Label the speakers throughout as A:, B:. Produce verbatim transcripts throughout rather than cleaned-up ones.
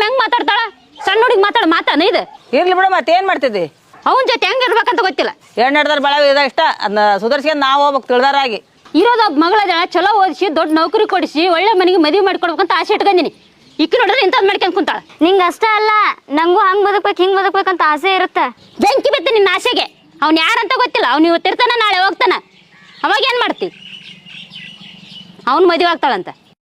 A: ಹೆಂಗ್ ಮಾತಾಡ್ತಾಳ? ಸಣ್ಣ ಹುಡುಗಿ ಮಾತಾಡ ಮಾತಾನ ಇದು
B: ಇರ್ಲಿ ಬಿಡು, ಮತ್ತೆ ಏನ್ ಮಾಡ್ತಿದ್ದಿ?
A: ಅವನ ಜೊತೆ ಹೆಂಗ್ ಇರ್ಬೇಕಂತ ಗೊತ್ತಿಲ್ಲ.
B: ಏನ್ ನಡೆದಾರ ಬಾಳ ಇದ ಇಷ್ಟ ಅದನ್ನ ಸುಧಾರಿಸ್ಕೊಂಡು ನಾವು ಹೋಗ್ಬೇಕು ತಿಳಿದಾರಾಗಿ.
A: ಇರೋದ ಮಗಳ ಚಲೋ ಓದಿಸಿ ದೊಡ್ಡ ನೌಕರಿ ಕೊಡಿಸಿ ಒಳ್ಳೆ ಮನೆಗೆ ಮದುವೆ ಮಾಡ್ಕೊಡ್ಬೇಕಂತ ಆಸೆ ಇಟ್ಕೊಂಡಿನಿ. ಇಕ್ಕಿ ನೋಡಿದ್ರೆ ಇಂಥದ್ ಮಾಡ್ಕೊಂಡ್ ಕುಂತಾಳ.
C: ನಿಂಗ ಅಷ್ಟ ಅಲ್ಲ, ನಂಗೂ ಹಂಗ್ ಬದುಕ್ಬೇಕು ಹಿಂಗ್ ಬದುಕ್ಬೇಕಂತ ಆಸೆ ಇರುತ್ತೆ.
A: ಬೆಂಕಿ ಬಿತ್ತು ನಿನ್ನ ಆಸೆಗೆ. ಅವ್ನು ಯಾರಂತ ಗೊತ್ತಿಲ್ಲ. ಅವ್ನು ಇವತ್ತು ಇರ್ತಾನ, ನಾಳೆ ಹೋಗ್ತಾನ. ಅವಾಗ ಏನ್ ಮಾಡ್ತಿ? ಅವ್ನು ಮದುವೆ ಆಗ್ತಾಳಂತ.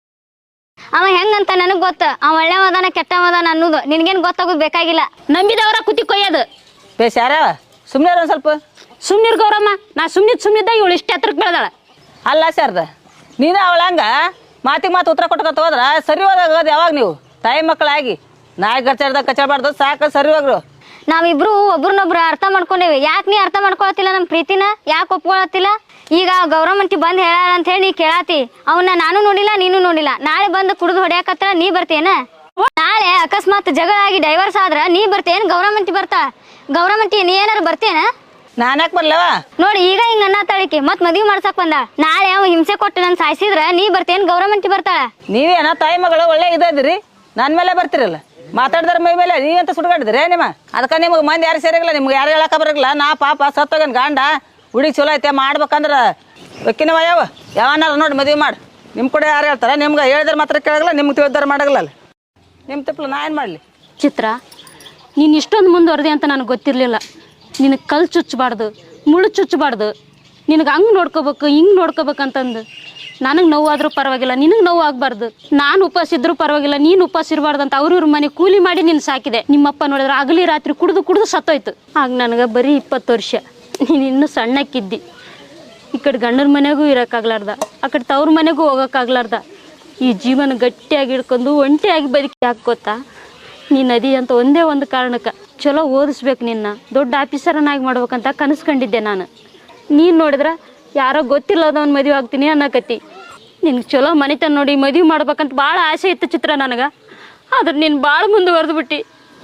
C: ಅವ ಹೆಂಗಂತ ನನಗ್ ಗೊತ್ತ. ಅವ ಒಳ್ಳೆವದಾನ ಕೆಟ್ಟವದಾನ ಅನ್ನೋದು ನಿನ್ಗೇನ್ ಗೊತ್ತಾಗೋದು ಬೇಕಾಗಿಲ್ಲ.
A: ನಂಬಿದವರ ಕುತಿ ಕೊಯ್ಯೋದು.
B: ಬೇಸ್ ಯಾರ ಸುಮ್ಮನೆ ಒಂದ್ ಸ್ವಲ್ಪ
A: ಸುಮ್ನಿರ್ ಗೌರಮ್ಮ. ನಾ ಸುಮ್ನಿದ್ ಸುಮ್ನಿದ್ದ ಇವಳು ಇಷ್ಟ ಹತ್ರಕ್ಕೆ ಬೆಳೆದಾಳ.
B: ಅಲ್ಲ ಶಾರದ, ನೀನು ಅವಳ ಹಂಗ ಮಾತಿಗೆ ಮಾತು ಉತ್ತರ ಕೊಟ್ಕೊತ ಹೋದ್ರ ಸರಿ ಹೋದಾಗ ಯಾವಾಗ ನೀವು ತಾಯಿ ಮಕ್ಕಳಾಗಿ ನಾಯಿ ಕಚ್ಚಾಡ್ದಾಗ ಕಚ್ಚಾಡ್ಬಾರ್ದು, ಸಾಕು ಸರಿ ಹೋಗ್ರು.
C: ನಾವಿಬ್ರು ಒಬ್ರನ್ನೊಬ್ರು ಅರ್ಥ ಮಾಡ್ಕೊಂಡೇವಿ. ಯಾಕೆ ನೀ ಅರ್ಥ ಮಾಡ್ಕೊಳತಿಲ್ಲ ನಮ್ ಪ್ರೀತಿನ? ಯಾಕೆ ಒಪ್ಕೊಳತಿಲ್ಲ? ಈಗ ಗೌರಮ್ಮಂಟಿ ಬಂದ್ ಹೇಳ ಅಂತ ಹೇಳಿ ನೀ ಕೇಳಾತಿ. ಅವನ್ನ ನಾನು ನೋಡಿಲ್ಲ, ನೀನು ನೋಡಿಲ್ಲ. ನಾಳೆ ಬಂದು ಕುಡಿದು ಹೊಡ್ಯಾಕತ್ರ ನೀ ಬರ್ತೇನ? ನಾಳೆ ಅಕಸ್ಮಾತ್ ಜಗಳ ಆಗಿ ಡೈವರ್ಸ್ ಆದ್ರ ನೀ ಬರ್ತೇನ್? ಗೌರಮ್ಮಂಟಿ ಬರ್ತಾ? ಗೌರಮ್ಮಂಟಿ ನೀ ಏನಾರು ಬರ್ತೇನ?
B: ನಾನ್ಯಾಕ್ ಬರ್ಲವ?
C: ನೋಡಿ ಈಗ ಹಿಂಗ ಅನ್ನ ತಾಳಿಕೆ ಮತ್ ಮದ್ವಿ ಮಾಡ್ಸಕ್ ಬಂದ. ನಾಳೆ ಅವ ಹಿಂಸೆ ಕೊಟ್ಟು ನನ್ ಸಾಯಿಸಿದ್ರ ನೀ ಬರ್ತೇನ್? ಗೌರಮ್ಮಂಟಿ ಬರ್ತಾಳ?
B: ನೀವೇನ ತಾಯಿ ಮಗಳು ಒಳ್ಳೆ ಇದ್ದಿರಿ, ನನ್ ಮೇಲೆ ಬರ್ತಿರಲ್ಲ. ಮಾತಾಡಿದ್ರ ಮೈ ಮೇಲೆ ನೀವಂತ ಸುಡ್ಗಾಡಿದ್ರಿ ನಿಮ್ಮ. ಅದಕ್ಕೆ ನಿಮ್ಗೆ ಮಂದಿ ಯಾರು ಸೇರಿಲ್ಲ, ನಿಮ್ಗೆ ಯಾರು ಹೇಳಕ ಬರಲ್ಲ. ನಾ ಪಾಪ ಸತ್ತೋಗನ್ ಗಂಡ ಹುಡುಗಿ ಚಲೋ ಐತೆ ಮಾಡ್ಬೇಕಂದ್ರ ಒಕ್ಕಿನವ ಯಾವ ಯಾವನಾರ ನೋಡಿ ಮದುವೆ ಮಾಡಿ. ನಿಮ್ಮ ಕೂಡ ಯಾರು ಹೇಳ್ತಾರೆ? ನಿಮ್ಗೆ ಹೇಳಿದ್ರೆ ಮಾತ್ರ ಕೇಳಲ್ಲ, ನಿಮ್ಗೆ ತಿಳಿದಾರ ಮಾಡಲ್ಲ. ನಿಮ್ಮ ತಿಪ್ಪಲು ನಾ ಏನು ಮಾಡಲಿ?
A: ಚಿತ್ರ, ನೀನು ಇಷ್ಟೊಂದು ಮುಂದುವರೆದೆ ಅಂತ ನನಗೆ ಗೊತ್ತಿರಲಿಲ್ಲ. ನಿನಗೆ ಕಲ್ಲು ಚುಚ್ಚಬಾರ್ದು, ಮುಳ್ಳು ಚುಚ್ಚಬಾರ್ದು, ನಿನಗೆ ಹಂಗೆ ನೋಡ್ಕೋಬೇಕು ಹಿಂಗೆ ನೋಡ್ಕೋಬೇಕಂತಂದು. ನನಗೆ ನೋವಾದರೂ ಪರವಾಗಿಲ್ಲ, ನಿನಗೆ ನೋವು ಆಗಬಾರ್ದು. ನಾನು ಉಪವಾಸ ಇದ್ರೂ ಪರವಾಗಿಲ್ಲ, ನೀನು ಉಪವಾಸ ಇರಬಾರ್ದು ಅಂತ ಅವ್ರವ್ರ ಮನೆ ಕೂಲಿ ಮಾಡಿ ನೀನು ಸಾಕಿದೆ. ನಿಮ್ಮಪ್ಪ ನೋಡಿದ್ರೆ ಆಗಲಿ ರಾತ್ರಿ ಕುಡಿದು ಕುಡಿದು ಸತ್ತೋಯ್ತು. ಆಗ ನನಗೆ ಬರೀ ಇಪ್ಪತ್ತು ವರ್ಷ. ನೀನು ಇನ್ನೂ ಸಣ್ಣಕ್ಕಿದ್ದಿ. ಈ ಕಡೆ ಗಂಡನ ಮನೆಗೂ ಇರೋಕ್ಕಾಗ್ಲಾರ್ದ, ಆ ಕಡೆ ತವ್ರ ಮನೆಗೂ ಹೋಗೋಕ್ಕಾಗ್ಲಾರ್ದ ಈ ಜೀವನ ಗಟ್ಟಿಯಾಗಿ ಹಿಡ್ಕೊಂಡು ಒಂಟಿಯಾಗಿ ಬದುಕಿ ಹಾಕೋತಾ ನೀನು ನದಿ ಅಂತ ಒಂದೇ ಒಂದು ಕಾರಣಕ್ಕೆ ಚಲೋ ಓದಿಸ್ಬೇಕು, ನಿನ್ನ ದೊಡ್ಡ ಆಫೀಸರನ್ನಾಗಿ ಮಾಡ್ಬೇಕಂತ ಕನಸ್ಕೊಂಡಿದ್ದೆ ನಾನು. ನೀನು ನೋಡಿದ್ರೆ ಯಾರೋ ಗೊತ್ತಿಲ್ಲದವನು ಮದುವೆ ಆಗ್ತೀನಿ ಅನ್ನಕತ್ತಿ. ನಿನ್ಗೆ ಚಲೋ ಮನೆತನ ನೋಡಿ ಮದುವೆ ಮಾಡ್ಬೇಕಂತ ಭಾಳ ಆಸೆ ಇತ್ತು ಚಿತ್ರ ನನಗೆ. ಆದ್ರೆ ನೀನು ಭಾಳ ಮುಂದುವರೆದು ಬಿಟ್ಟು.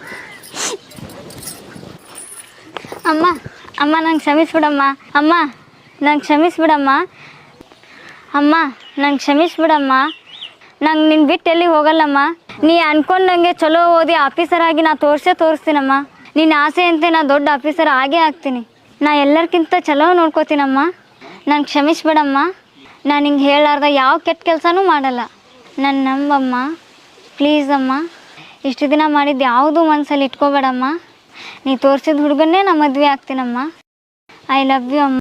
C: ಅಮ್ಮ ಅಮ್ಮ ನಂಗೆ ಕ್ಷಮಿಸ್ಬಿಡಮ್ಮ. ಅಮ್ಮ ನಂಗೆ ಕ್ಷಮಿಸ್ಬಿಡಮ್ಮ. ಅಮ್ಮ ನಂಗೆ ಕ್ಷಮಿಸ್ಬಿಡಮ್ಮ. ನಂಗೆ ನಿನ್ನ ಬಿಟ್ಟು ಎಲ್ಲಿ ಹೋಗಲ್ಲಮ್ಮ. ನೀ ಅನ್ಕೊಂಡಂಗೆ ಚಲೋ ಓದಿ ಆಫೀಸರ್ ಆಗಿ ನಾ ತೋರಿಸೇ ತೋರಿಸ್ತೀನಮ್ಮ. ನಿನ್ನ ಆಸೆ ಅಂತೆ ನಾ ದೊಡ್ಡ ಆಫೀಸರ್ ಆಗೇ ಆಗ್ತೀನಿ. ನಾ ಎಲ್ಲರಿಗಿಂತ ಚಲೋ ನೋಡ್ಕೋತೀನಮ್ಮ. ನಂಗೆ ಕ್ಷಮಿಸ್ಬಿಡಮ್ಮ. ನಾನು ಹಿಂಗೆ ಹೇಳಾರ್ದ ಯಾವ ಕೆಟ್ಟ ಕೆಲಸನೂ ಮಾಡಲ್ಲ. ನನ್ನ ನಂಬಮ್ಮ ಪ್ಲೀಸ್ ಅಮ್ಮ. ಇಷ್ಟು ದಿನ ಮಾಡಿದ್ದು ಯಾವುದೂ ಮನಸ್ಸಲ್ಲಿ ಇಟ್ಕೋಬೇಡಮ್ಮ. ನೀ ತೋರಿಸಿದ ಹುಡುಗನ್ನೇ ನಾ ಮದುವೆ ಆಗ್ತೀನಮ್ಮ. ಐ ಲವ್ ಯು ಅಮ್ಮ.